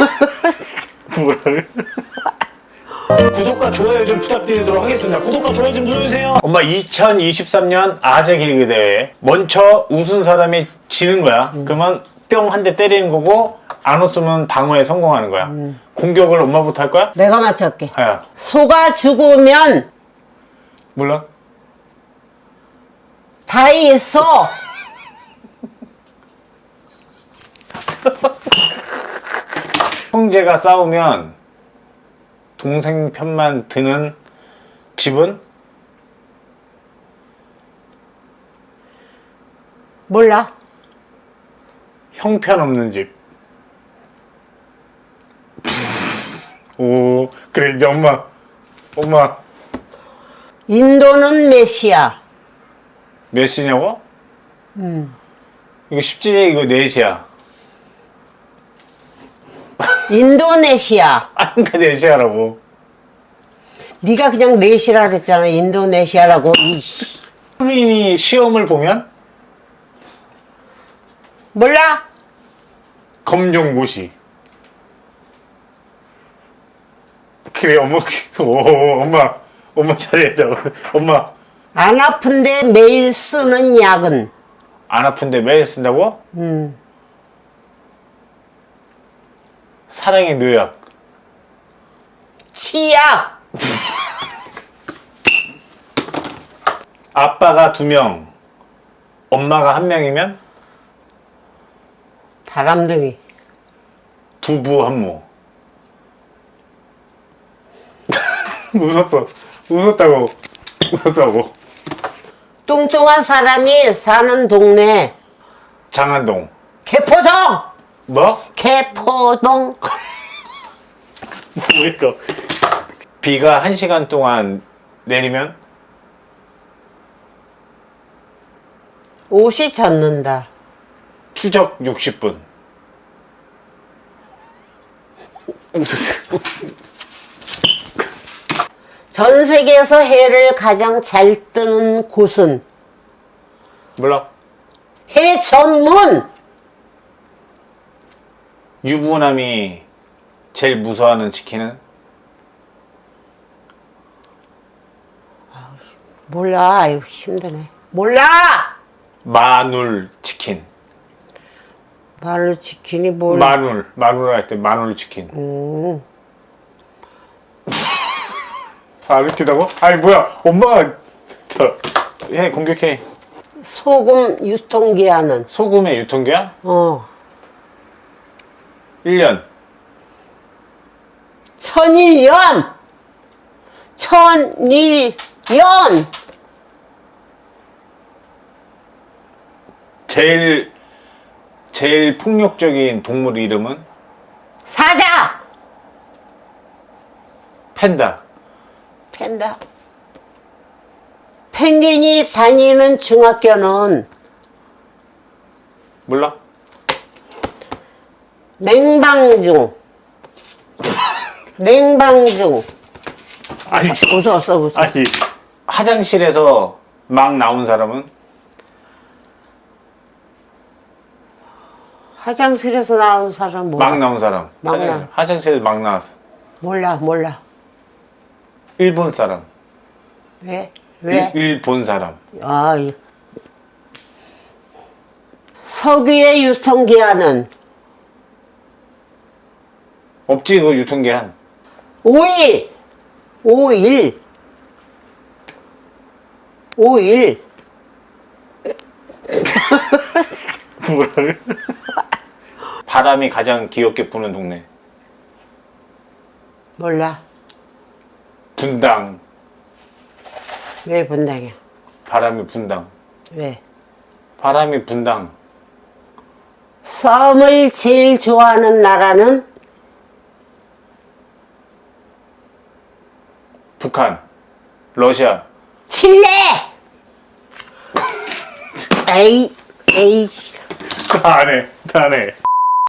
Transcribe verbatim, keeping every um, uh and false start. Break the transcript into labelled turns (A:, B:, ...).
A: 뭐라고? 구독과 좋아요 좀 부탁드리도록 하겠습니다. 구독과 좋아요 좀 눌러주세요. 엄마, 이천이십삼 년 아재 개그 대회 먼저 웃은 사람이 지는 거야. 음. 그러면 뿅 한 대 때리는 거고, 안 웃으면 방어에 성공하는 거야. 음. 공격을 엄마부터 할 거야?
B: 내가 맞춰볼게.
A: 하야.
B: 소가 죽으면
A: 몰라?
B: 다 있어.
A: 형제가 싸우면 동생 편만 드는 집은?
B: 몰라.
A: 형편없는 집. 오, 그래, 이제 엄마. 엄마.
B: 인도는 메시아.
A: 몇 시냐고?
B: 음.
A: 이거 쉽지? 이거 넷이야.
B: 인도네시아.
A: 아, 그러니까 넷이야라고.
B: 네가 그냥 넷이라 그랬잖아. 인도네시아라고.
A: 흑인이 시험을 보면?
B: 몰라.
A: 검정고시. 그래, 엄마. 오, 엄마. 엄마 잘해줘. 엄마.
B: 안 아픈데 매일 쓰는 약은?
A: 안 아픈데 매일 쓴다고?
B: 음.
A: 사랑의 묘약.
B: 치약.
A: 아빠가 두 명, 엄마가 한 명이면?
B: 바람둥이.
A: 두부 한모. 웃었어. 웃었다고. 웃었다고.
B: 뚱뚱한 사람이 사는 동네.
A: 장안동.
B: 개포동.
A: 뭐?
B: 개포동.
A: 뭐일까? 비가 한 시간 동안 내리면?
B: 옷이 젖는다.
A: 추적 육십 분. 웃었어.
B: 전 세계에서 해를 가장 잘 뜨는 곳은?
A: 몰라.
B: 해 전문.
A: 유부남이 제일 무서워하는 치킨은?
B: 몰라. 아유, 힘드네. 몰라.
A: 마눌 치킨.
B: 마늘 치킨이 몰라.
A: 마눌. 마눌 할 때 마눌 치킨.
B: 음.
A: 안 웃기다고? 아니 뭐야, 엄마가 저 해, 공격해.
B: 소금 유통기한은?
A: 소금의 유통기한?
B: 어.
A: 일 년.
B: 천일염. 천일염.
A: 제일 제일 폭력적인 동물 이름은?
B: 사자.
A: 팬다.
B: 팬다. 펭귄이 다니는 중학교는?
A: 몰라?
B: 냉방중. 냉방중.
A: 아니,
B: 웃었어, 웃어.
A: 아니, 화장실에서 막 나온 사람은?
B: 화장실에서 나온 사람 몰라.
A: 막 나온 사람.
B: 막
A: 화장,
B: 나.
A: 화장실에서 막 나왔어.
B: 몰라, 몰라.
A: 일본 사람.
B: 왜? 왜?
A: 일, 일본 사람.
B: 아, 이- 석유의 유통기한은?
A: 없지, 그 유통기한.
B: 오일. 오일. 오일.
A: 뭐라고? 바람이 가장 귀엽게 부는 동네.
B: 몰라.
A: 분당.
B: 왜 분당이야?
A: 바람이 분당.
B: 왜?
A: 바람이 분당.
B: 썸을 제일 좋아하는 나라는?
A: 북한. 러시아.
B: 칠레! 에이, 에이.
A: 다 안 해. 다 안 해.